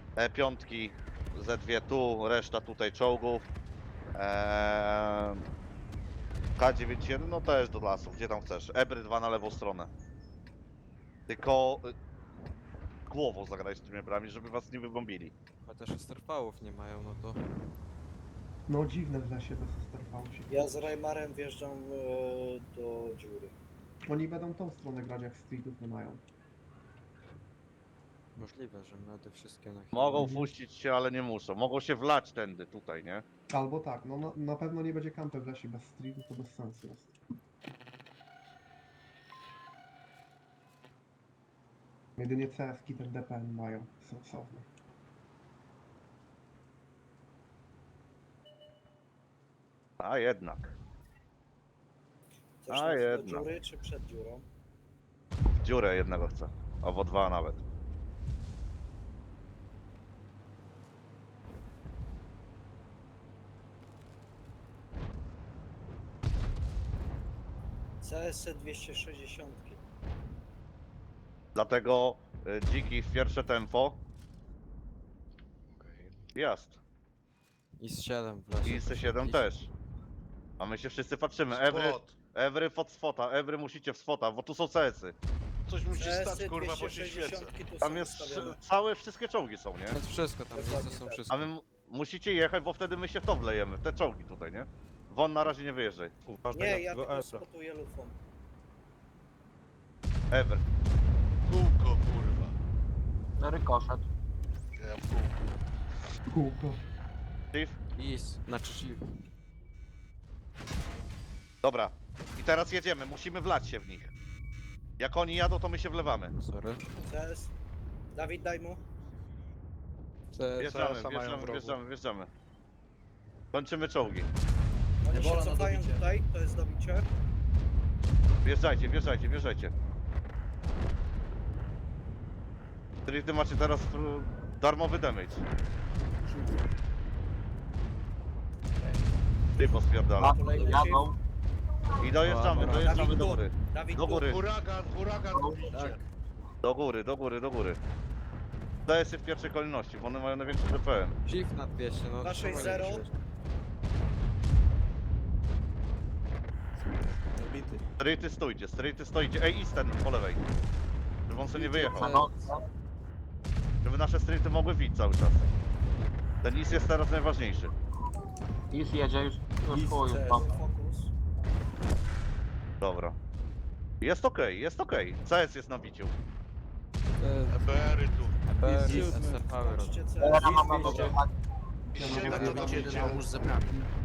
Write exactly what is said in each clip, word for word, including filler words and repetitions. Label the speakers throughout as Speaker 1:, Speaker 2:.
Speaker 1: E pięć, Z dwa tu, reszta tutaj czołgów. Eee, K dziewięćdziesiąt jeden, no też do lasu, gdzie tam chcesz. Ebry dwa na lewą stronę. Tylko y, głową zagrać z tymi ebrami, żeby was nie wybombili.
Speaker 2: Chociaż esterpałów nie mają, no to...
Speaker 3: No dziwne w lesie bez esterpału się.
Speaker 4: Ja z Reimarem wjeżdżam e, do dziury.
Speaker 3: Oni będą tą stronę grać, jak streetów nie mają.
Speaker 2: Możliwe, że medy wszystkie na chwilę.
Speaker 1: Mogą
Speaker 3: Mhm.
Speaker 1: puścić się, ale nie muszą. Mogą się wlać tędy, tutaj, nie?
Speaker 3: Albo tak, no na, na pewno nie będzie kampy w lesie bez streetów, to bez sensu jest. Jedynie C S-ki ten D P M mają sensowne.
Speaker 1: A jednak.
Speaker 4: Chcesz
Speaker 1: A
Speaker 4: nas do
Speaker 1: jednak.
Speaker 4: dziury czy przed dziurą?
Speaker 1: W dziurę jednego chcę. Albo dwa nawet.
Speaker 4: C S dwieście sześćdziesiąt.
Speaker 1: Dlatego y, dziki w pierwsze tempo. Jest.
Speaker 2: I z siedem w lesie.
Speaker 1: I
Speaker 2: to
Speaker 1: C siedem
Speaker 2: się
Speaker 1: też. A my się wszyscy patrzymy. Every,
Speaker 5: Spot.
Speaker 1: every pod swota, every musicie w swota, bo tu są C S-y.
Speaker 5: Coś musi
Speaker 4: C S
Speaker 5: stać, kurwa, bo się świecę.
Speaker 4: tu
Speaker 1: Tam
Speaker 4: są
Speaker 1: jest
Speaker 4: ustawione.
Speaker 1: całe, wszystkie czołgi są, nie?
Speaker 2: To jest wszystko, tam miejsca są wszystko.
Speaker 1: A wy m- musicie jechać, bo wtedy my się w to wlejemy, w te czołgi tutaj, nie? Won na razie nie wyjeżdżaj.
Speaker 4: Nie, ja tylko spotuję lufą.
Speaker 1: Ever.
Speaker 5: Kółko, kurwa.
Speaker 6: Rykoszet.
Speaker 5: Ja w kółko.
Speaker 3: Kółko.
Speaker 1: Chief?
Speaker 2: Is, znaczy shield.
Speaker 1: Dobra. I teraz jedziemy, musimy wlać się w nich. Jak oni jadą, to my się wlewamy.
Speaker 2: Sorry.
Speaker 4: C S. Dawid, daj mu.
Speaker 1: Wjeżdżamy, wjeżdżamy, wjeżdżamy, wjeżdżamy. Kończymy czołgi.
Speaker 4: Oni
Speaker 7: Ebola
Speaker 4: się
Speaker 7: na
Speaker 4: cofają
Speaker 7: dobicie.
Speaker 4: tutaj, to jest dobicie.
Speaker 1: Wjeżdżajcie, wjeżdżajcie, wjeżdżajcie. Czyli ty macie teraz mm, darmowy damage. Ty pospierdala.
Speaker 4: Kolejny
Speaker 6: Jadą.
Speaker 1: I dojeżdżamy,
Speaker 2: Dobra.
Speaker 1: dojeżdżamy do góry.
Speaker 4: Dawid,
Speaker 1: Do góry,
Speaker 5: Huragan, huragan dobicie.
Speaker 7: Tak.
Speaker 1: do góry, do góry, do góry. D S-y w pierwszej kolejności, bo one mają największy D P M.
Speaker 2: Shift na dwieście, no
Speaker 4: dwa sześć zero.
Speaker 7: Zabity.
Speaker 1: Straighty stójcie, straighty stoicie. Ej, Eastern po lewej. Żeby on sobie nie wyjechał.
Speaker 6: No,
Speaker 1: Żeby nasze straighty mogły wić cały czas. Ten East jest teraz najważniejszy.
Speaker 6: Już jedzie, już, już
Speaker 7: Jest
Speaker 6: chuj,
Speaker 7: C S.
Speaker 6: no.
Speaker 4: Fokus.
Speaker 1: Dobra. Jest okej, jest okej. C S jest na biciu.
Speaker 2: E,
Speaker 5: E B R-y tu.
Speaker 2: Eper,
Speaker 7: Jest
Speaker 2: esterpały robią.
Speaker 4: Kończcie C S.
Speaker 6: Teraz mam na
Speaker 7: dwieście.
Speaker 5: Siedem
Speaker 8: Jeden
Speaker 5: dobicie.
Speaker 8: pomóż z zebrami.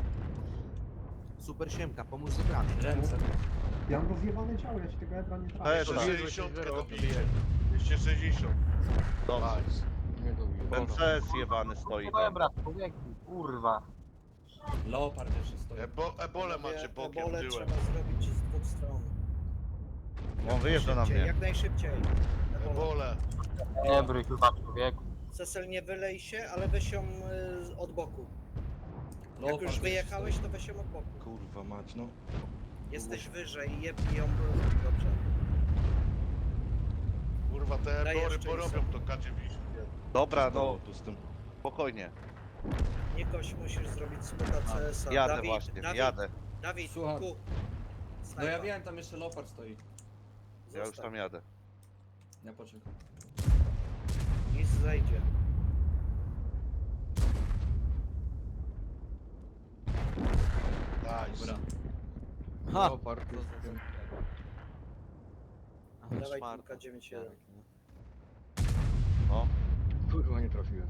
Speaker 8: Super siemka, pomóż z zebrami.
Speaker 7: Ręce.
Speaker 3: Ja mam rozjebane ciało, ja ci tego Ebra nie
Speaker 1: To
Speaker 3: trafię.
Speaker 1: jest-
Speaker 5: dwieście sześćdziesiąt dobicie. dwieście sześćdziesiąt.
Speaker 1: Dobrze.
Speaker 5: Nice.
Speaker 1: Ten C S jebany stoi tam.
Speaker 6: Dobra, człowieku, kurwa.
Speaker 7: Leopard jeszcze stoi.
Speaker 5: Ebo, ebole macie bokiem
Speaker 4: Ebole
Speaker 5: tyłem.
Speaker 4: trzeba zrobić z dwóch stron.
Speaker 1: On wyjeżdża na
Speaker 4: Szybciej,
Speaker 1: mnie.
Speaker 4: Jak najszybciej. Ebola.
Speaker 5: Ebole.
Speaker 6: Nie bryj chyba, człowieku.
Speaker 4: Cecil, nie wylej się, ale weź ją y, od boku. Jak
Speaker 7: Leopard
Speaker 4: już
Speaker 7: jeszcze
Speaker 4: wyjechałeś,
Speaker 7: stoi.
Speaker 4: to weź ją od boku.
Speaker 7: Kurwa mać, no.
Speaker 4: Jesteś wyżej, jebnij ją dobrze.
Speaker 5: Kurwa, te
Speaker 4: Daj
Speaker 5: ebory
Speaker 4: jeszcze
Speaker 5: porobią to K dziewięćdziesiąt.
Speaker 1: Dobra, no
Speaker 7: To tu z tym.
Speaker 1: spokojnie.
Speaker 4: Nikoś musisz zrobić spota C S a.
Speaker 1: Jadę
Speaker 4: Dawid,
Speaker 1: właśnie,
Speaker 4: Dawid,
Speaker 1: jadę.
Speaker 4: Dawid,
Speaker 7: Słucham.
Speaker 4: tu.
Speaker 7: No
Speaker 4: Snajpa.
Speaker 7: ja wiem, tam jeszcze Leopard stoi.
Speaker 1: Ja już
Speaker 4: Zostaw.
Speaker 1: tam jadę.
Speaker 7: Ja poczekam.
Speaker 4: Nic zejdzie.
Speaker 5: Nice.
Speaker 7: Dobra.
Speaker 2: Ha!
Speaker 7: Leopard
Speaker 2: To
Speaker 7: jest
Speaker 2: za-
Speaker 7: tym.
Speaker 2: Ale
Speaker 4: Dawaj
Speaker 2: szmarka.
Speaker 4: kilka dziewięć jeden.
Speaker 2: Tak, nie?
Speaker 1: No.
Speaker 9: Kurwa, nie trafiłem.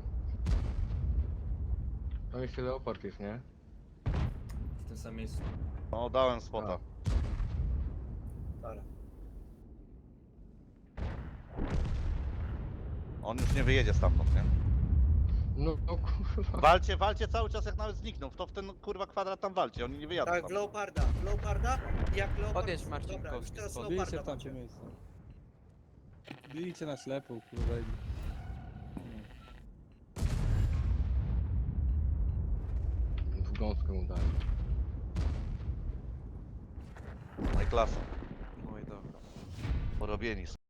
Speaker 9: Tam jeszcze leopard jest, nie?
Speaker 7: W tym samym miejscu.
Speaker 1: No, dałem spota.
Speaker 4: Para.
Speaker 1: On już nie wyjedzie stamtąd, nie?
Speaker 9: No, no kurwa.
Speaker 1: Walcie, walcie cały czas jak nawet znikną. To w ten kurwa kwadrat tam walcie, oni nie wyjadą
Speaker 4: Tak, w
Speaker 1: tam.
Speaker 4: Leoparda, w Leoparda. Jak Leopard...
Speaker 2: Podjedź
Speaker 4: Dobra, już
Speaker 2: Marcinkowski
Speaker 4: teraz
Speaker 2: spod.
Speaker 10: Bijcie
Speaker 4: Leoparda
Speaker 10: w tamte
Speaker 4: macie.
Speaker 10: miejsce. Bijcie na ślepo, kurwa. i-
Speaker 9: W gąskę mu dałem.
Speaker 1: No i klasa.
Speaker 2: No i dobra.
Speaker 1: Porobieni są.